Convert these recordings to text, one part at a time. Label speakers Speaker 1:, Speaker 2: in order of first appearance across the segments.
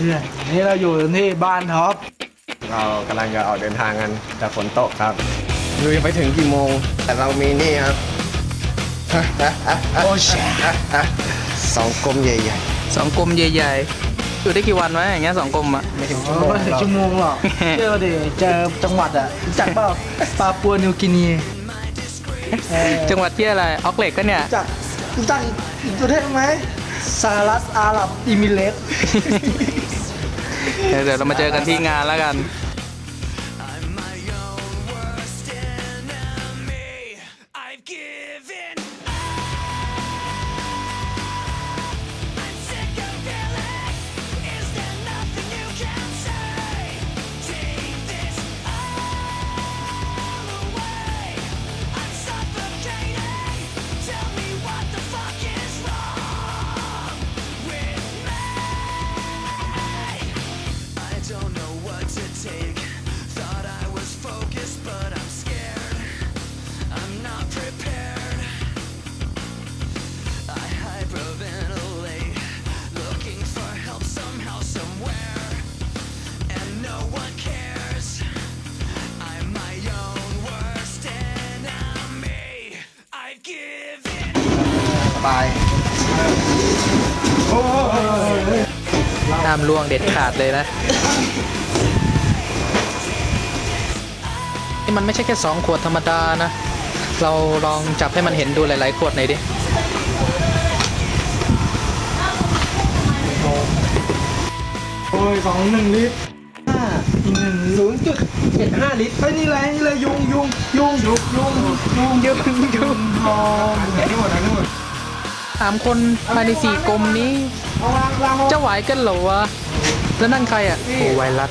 Speaker 1: พื่อนนี่เราอยู่ที่บ้านท็อป
Speaker 2: เรากำลังจะออกเดินทางกันแต่ฝนตกครับดูยังไปถึงกี่โมงแต่เรามีนี่ครับ
Speaker 1: โอ้ช
Speaker 2: 2 กลมใหญ่
Speaker 3: 2 กลมใหญ่ๆอยู่ได้กี่วันวะอย่างเงี้ย2 กลมอะ
Speaker 2: ไม่ถึงชั่วโมง
Speaker 1: ไม่ถึงชั่วโมงหรอกเจอดิเจอจังหวัดอ่ะรู้จักเปล่าปาปัวนิวกินี
Speaker 3: จังหวัดที่อะไรออกเล็กก็เนี่ย
Speaker 1: รู้จักอีกประเทศไหมสหรัฐอาหรับอิมิเรตส์
Speaker 3: เดี๋ยวเรามาเจอกันที่งานแล้วกันห้ามล่วงเด็ดขาดเลยนะนี่มันไม่ใช่แค่2 ขวดธรรมดานะเราลองจับให้มันเห็นดูหลายๆขวดหน่อยดิ
Speaker 1: โอ้ย1 ลิตรอีก0.75 ลิตรเฮ้ยนี่อะไรยุงทอง
Speaker 3: 3 คนภายใน4 กลมนี้จะไหวกันเหรอวะแล้วนั่นใครอ่ะโอ้ไวรัส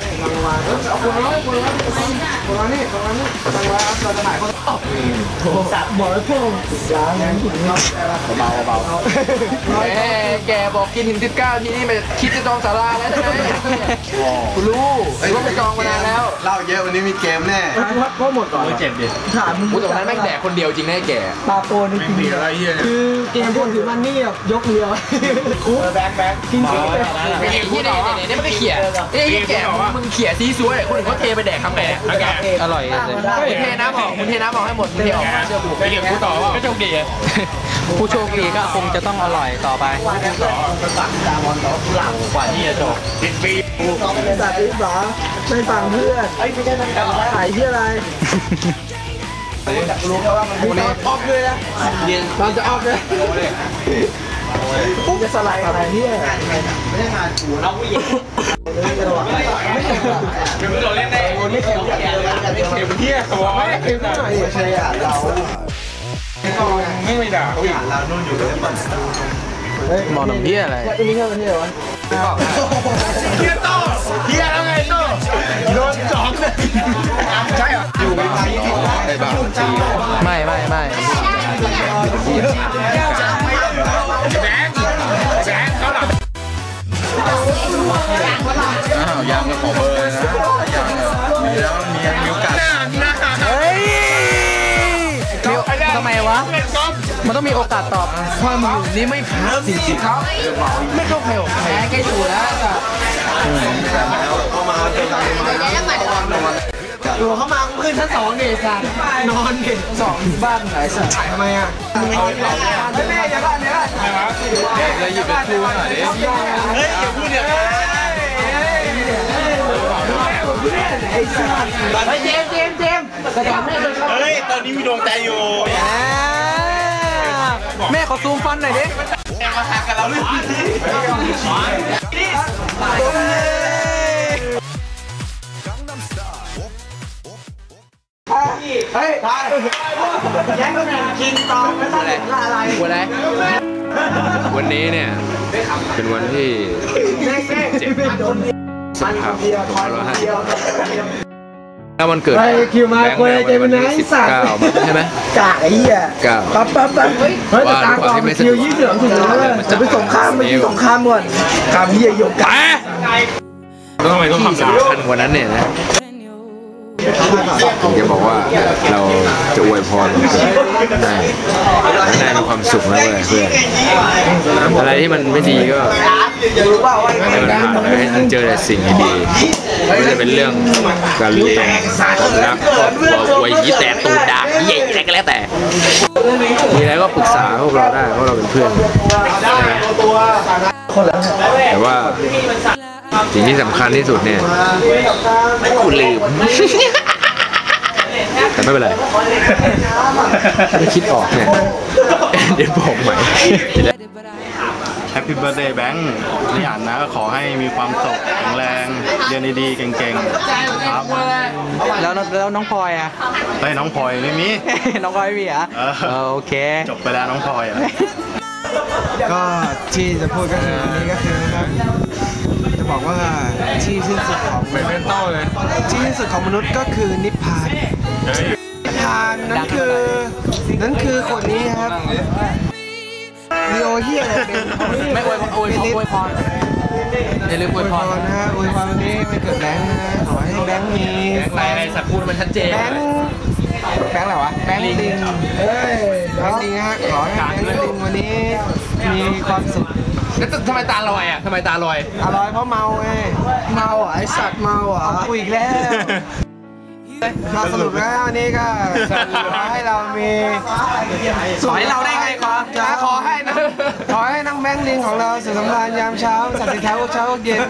Speaker 1: บอกให้พวก
Speaker 2: เบา
Speaker 3: แกบอกกินถึง19ทีนี่ไม่คิดจะจองศาลาแล้วใช่ไหมกูรู้ว่าไปจองมานานแล้ว
Speaker 2: เล่าเยอะวันนี้มีเกมแน่
Speaker 1: ก็หมดก่อน
Speaker 2: เจ็บดิ
Speaker 1: ถามมึง
Speaker 3: แต่วันนั้นแม่งแดกคนเดียวจริงแน่แก
Speaker 1: ปาโปนี่คือเกมพวกถือมันนี่แบบยกเรือคุกแบงกินคุก
Speaker 3: ไอ้ที่เนี่ยมันก็เขี่ยไอ้แกมึงเขี่ยซีซัวคนอื่นเขาเทไปแดกคำแดกอร่อยเลยเทน้ำออกมึงเทน้ำออกให้หมดมึงเทออกเชื่อกู
Speaker 2: ไปเรียกกูต่อว่า
Speaker 3: ก็โชคดีผู้โชคดีก็คงจะต้องอร่อยต่อไป
Speaker 2: กว่าที่จะจบ10 ปี
Speaker 1: สัตว์ที่สาไม่ฟังเพื่อนขายที่อะไรรู้แค่ว่ามันออกเลยนะมันจะออกเลยปุ๊บจะสไลด์อะไรเนี่ยไม่ได้งานกูเราผู้หญิง
Speaker 2: คือเราเล่นได้ไม่เข็มเที่ยตัวไม่เข็มหน่อย
Speaker 1: ใช่อ่ะเรา
Speaker 2: ไม่ด่าเขาอีกเรานู่นอยู่เลย
Speaker 3: มองน้ำเบี้ยอะไร
Speaker 1: นี่แค่ประเทศวะ
Speaker 2: เฮียโต้เฮียแล้วไงโต้โดนจองเลยใช่เหรออยู่ในไทยไอ้บ้า
Speaker 3: ไม่
Speaker 2: แบงค์เขาหลับยังก็ขอเบอร์นะยังมีแล้วมีโอกาส
Speaker 3: เฮ้ยทำไมวะมันต้องมีโอกาสตอบความอยู่นี้ไม่พักจริงๆเขาไม่เข้าใครออกใครแกอยู่แล้ว
Speaker 2: เข้ามา
Speaker 1: อยู่เข้ามาขึ้นชั้น2ดิสัตว์นอนดิ2บ้านไหนสัตว์ทำไมอ่ะแม่อย่าบ้านเนี่ย
Speaker 2: จะหยิบเป็นคู่หน่อยดิเฮ้ยอย่าพูดเนี่ย
Speaker 1: ไอ้สัตว์
Speaker 3: ไอ้เจมกระจกแม่เลย
Speaker 2: เฮ้ยตอนนี้มีดวงใจอยู่
Speaker 3: แม่ขอซูมฟันหน่อยดิ
Speaker 2: มาหักกับเราด้วย
Speaker 1: เฮ้ยแย่งกันกินตองไม่ต้องอะไร
Speaker 2: วันนี้เนี่ยเป็นวันที่17 สิงหาคม 2550ถ้ามันเกิด
Speaker 1: คิวมาคนจะเป็นไหนสัตว์
Speaker 2: ใช่ไหม
Speaker 1: กะไอ้เหี้ยปั๊บเฮ้ยแต่ตาก่อนคิว20 ถึงแล้วจะไปสงครามไม่สงครามก่อนคำเหี้ยยกกะ
Speaker 2: ต้องทำไมต้องทำสำคัญกว่านั้นเนี่ยนะผมจะบอกว่าเราจะอวยพรนายมีความสุขนะเว้ยเพื่อนอะไรที่มันไม่ดีก็
Speaker 1: รู้เปล่าว่า
Speaker 4: ให้ท่านเจอแต่สิ่งดีๆไม่ว่าจะเป็นเรื่องการเรียนความรักครอบครัวอวยยี่แต่ตูดด่าเย่อะไรก็แล้วแต่มีอะไรก็ปรึกษาพวกเราได้เพราะเราเป็นเพื่อนแต่ว่าสิ่งที่สำคัญที่สุดเนี่ยกูลืมแต่ไม่เป็นไรไม่คิดออกเนี่ยเดี๋ยวบอกใหม่
Speaker 2: แฮปปี้เบิร์ดเดย์แบงค์นี่อ่านนะก็ขอให้มีความสุขแข็งแรงเรียนดีๆเก่งๆครับ
Speaker 3: แล้วน้องพลอยอ่ะ
Speaker 2: เฮ้ยน้องพลอยไม่มี
Speaker 3: น้องพลอยไม่มีอ่ะโอเค
Speaker 2: จบไปแล้วน้องพลอยอ่ะ
Speaker 1: ก็ที่จะพูดก็คือวันนี้ก็คือนะครับจะบอกว่าที่สิ้นสุดของที่สิ้นสุดของมนุษย์ก็คือนิพพานนิพพานนั่นคือคนนี้ครับลีโอเฮีย
Speaker 3: ไม่อวยพรอย่าลืมอวยพร
Speaker 1: นะฮะอวยพรวันนี้ไม่เกิดแบงค์นะขอให้แบงค์มี
Speaker 3: อะไรสักพูดมันชัดเจน
Speaker 1: แบงค์อะไรวะแบงค์ลิงแบงค์ลิงฮะขอให้แบงค์ลิงวันนี้มีความสุข
Speaker 3: แล้วทำไมตาลอยอ่ะทำไมตาลอย
Speaker 1: เพราะเมาไงเมาไอสัตว์เมาคุยอีกแล้วมาสรุปแล้ววันนี้ก็ขอให้เรามี
Speaker 3: ขอให้เราได้ไง
Speaker 1: ขอให้น้องแบงค์ลิงของเราสุขสำราญยามเช้าสัตว์สีเท้าเช้าเย็น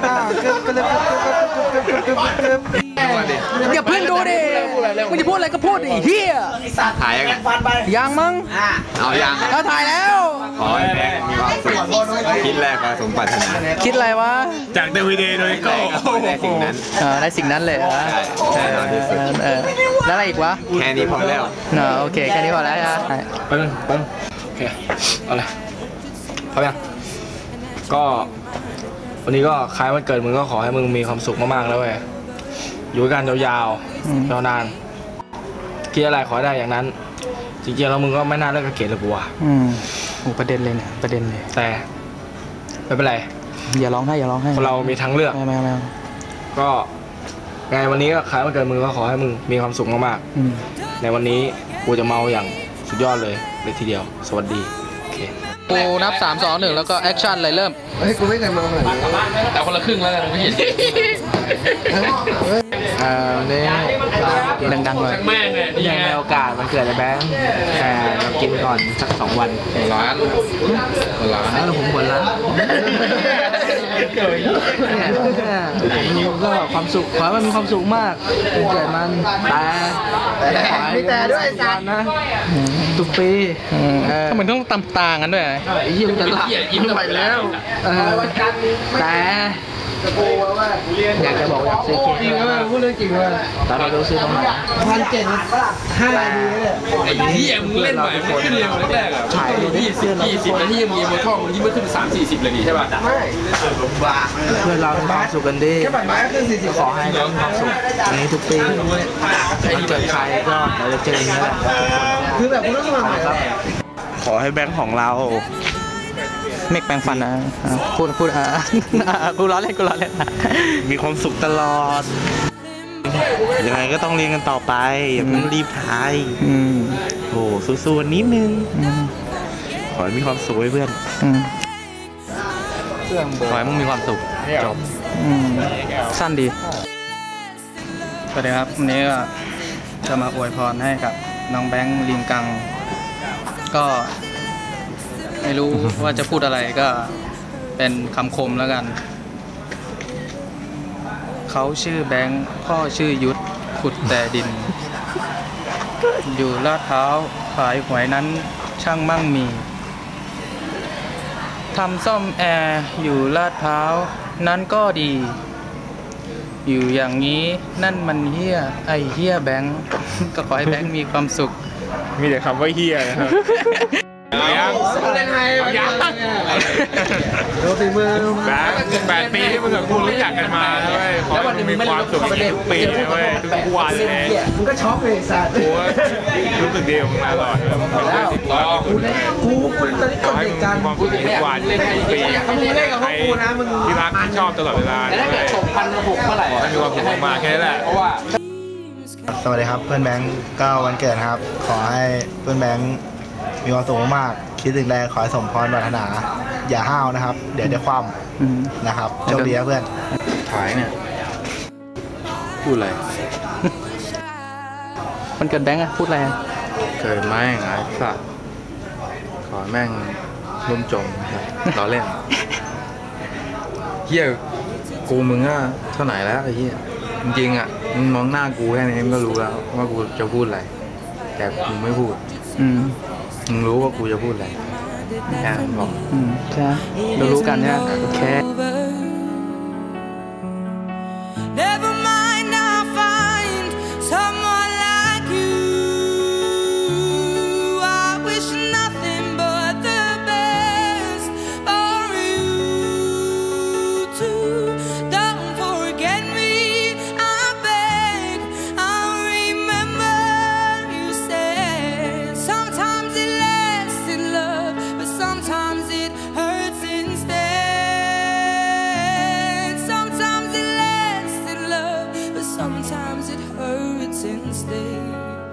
Speaker 3: อย่าเพิ่งดูดิมึงจะพูดอะไรก็พูดดิเฮีย
Speaker 4: ถ่ายยังไง
Speaker 3: ยังมั้ง
Speaker 4: เอายัง
Speaker 3: เราถ่ายแล้ว
Speaker 4: ขอให้แบงค์มีความสุขคิดแรกมาสมปรารถนา
Speaker 3: คิดอะไรวะ
Speaker 2: จากเดวิดโดยก็
Speaker 4: ได้สิ่งนั้น
Speaker 3: ได้สิ่งนั้นเลยแล้วอะไรอีกวะ
Speaker 4: แค่นี้พอแล้ว
Speaker 3: โอเคแค่นี้พอแล้วนะ
Speaker 4: ไปโอเคเอาเลยพร้อมยังก็วันนี้ก็คล้ายวันเกิดมึงก็ขอให้มึงมีความสุขมากๆแล้วเว้ยอยู่กันยาวๆยาวนานคิดอะไรขอได้อย่างนั้นจริงๆแล้วมึงก็ไม่น่าเลิกกับเกดเลยกูว่ะ
Speaker 3: ประเด็นเลยเนี่ยประเด็นเลย
Speaker 4: แต่ไม่เป็นไร
Speaker 3: อย่าร้องให้
Speaker 4: เรามีทางเลือก
Speaker 3: ไม่
Speaker 4: ก็ไงวันนี้ก็คล้ายวันเกิดมึงก็ขอให้มึงมีความสุขมากๆในวันนี้กูจะเมาอย่างสุดยอดเลยทีเดียวสวัสดีโอเค
Speaker 3: กูนับ3 2 1แล้วก็แอคชั่นเลยเริ่ม
Speaker 1: กูไม่เคยมองเลย
Speaker 3: แต่คนละครึ่งแล้วกันไม่เห็น
Speaker 4: นี่
Speaker 3: ดังๆเลย
Speaker 4: แม่เนี่ยยังในโอกาสมันเกิดในแบงค์แต่เรากินก่อนสัก2 วันร้านแล้วผมหัวร้านก็ความสุขขอให้มันมีความสุขมากเกิดมัน
Speaker 1: แต่ด้วยจ้ะ
Speaker 4: นะทุกปี
Speaker 3: ทำไมต้องต่างกันด้วย
Speaker 4: ยิ้มจะหลับยิ้มไปแล้วแต่อยากจะบอกอยากซื้อเค้ก
Speaker 1: จริงไหมพูดเรื่องจริงเลย
Speaker 4: แต่เราต้องซื้อตรงไหน
Speaker 1: 1,700 นาทีเลย
Speaker 3: ไอ้ที่มึงเล่นใหม่ไม่ขึ้นเร็วแรกๆถ่าย20 นาทีมึงยิ้มบนช่องมึงยิ้มไม่ขึ้น30-40เลยดีใช่ป่ะ
Speaker 1: ไม่
Speaker 4: เพื่อนเราเป็นความสุขกันดี
Speaker 1: แค่บัตรไม้ก็ขึ้น40
Speaker 4: ขอให้เรามีความสุขอันนี้ทุกปีเกิดใครก็เราจะเจออย่างนี้แหละ
Speaker 1: คือแบบคุณต้องมาใหม่ครับ
Speaker 4: ขอให้แบงค์ของเรา
Speaker 3: เมกแปลงฟันนะพูดกูล้อเล่น
Speaker 4: มีความสุขตลอดยังไงก็ต้องเรียนกันต่อไปอย่าเพิ่งรีบถ่ายโอ้สู้ๆนิดนึงขอให้มีความสุขไว้เพื่อนขอให้มึงมีความสุขจบ
Speaker 3: สั้นดีสวัสดีครับวันนี้ก็จะมาอวยพรให้กับน้องแบงค์ลิงกังก็ไม่รู้ว่าจะพูดอะไรก็เป็นคำคมแล้วกันเขาชื่อแบงค์พ่อชื่อยุทธขุดแต่ดินอยู่ลาดพร้าวขายหวยนั้นช่างมั่งมีทำซ่อมแอร์อยู่ลาดพร้าวนั้นก็ดีอยู่อย่างนี้นั่นมันเฮี้ยไอเฮี้ยแบงค์ก็ขอให้แบงค์มีความสุข
Speaker 4: มีแต่คำว่าเฮี้ยนะครับ
Speaker 3: ยังเล่นไงยัง
Speaker 1: ดูฝีมือ
Speaker 4: แบงค์8 ปีที่มึงกับกูรู้จักกันมาเลยแล้ววันนึงมีความสุขทุกปีเลยทุกวันเลย
Speaker 1: มึงก็ช็อกเลยสัตว์
Speaker 4: กูรู้สึกดีมึงมาตลอด
Speaker 1: แล้วกูตอนนี้กดเด็กกัน
Speaker 4: ความสุขทุกวันทุกปี
Speaker 1: มึงเล่นกับพวกกูนะมึง
Speaker 4: ที่รักที่ชอบตลอดเวลา
Speaker 3: แล้วถ้าเกิด1,600เมื่อไหร่
Speaker 4: มีความสุขมากแค่นั้นแหละ
Speaker 3: เพราะว่า
Speaker 2: สวัสดีครับเพื่อนแบงค์ก็วันเกิดครับขอให้เพื่อนแบงค์มีความสุขมากคิคิดถึงใดขอให้สมพรปรารถนา อย่าห้าวนะครับ เดี๋ยวจะคว่ำนะครับโชคดีนะเพื่อน
Speaker 4: ขายเนี่ยพูดอะไร
Speaker 3: มันเกิดแบงค์อะพูดอะไร
Speaker 4: เกิดแม่งไอ้สัตว์ขอแม่งร่มจมล้อเล่นเฮียกูมึงอะเท่าไหร่แล้วไอ้เฮียจริงๆอะมึงมองหน้ากูแค่นี้มึงก็รู้แล้วว่ากูจะพูดอะไรแต่มึงไม่พูดมึงรู้ว่ากูจะพูดอะไรแค่นั้นบอก
Speaker 3: ใช่เรารู้กันเนี่ยแค่
Speaker 5: Never mind, I'll find someone like you. I wish nothing but the best for you too. Don't forget me, I beg. I'll remember you said sometimes it lasts in love, but sometimes it hurts instead. Sometimes it lasts in love, but sometimes it hurts instead.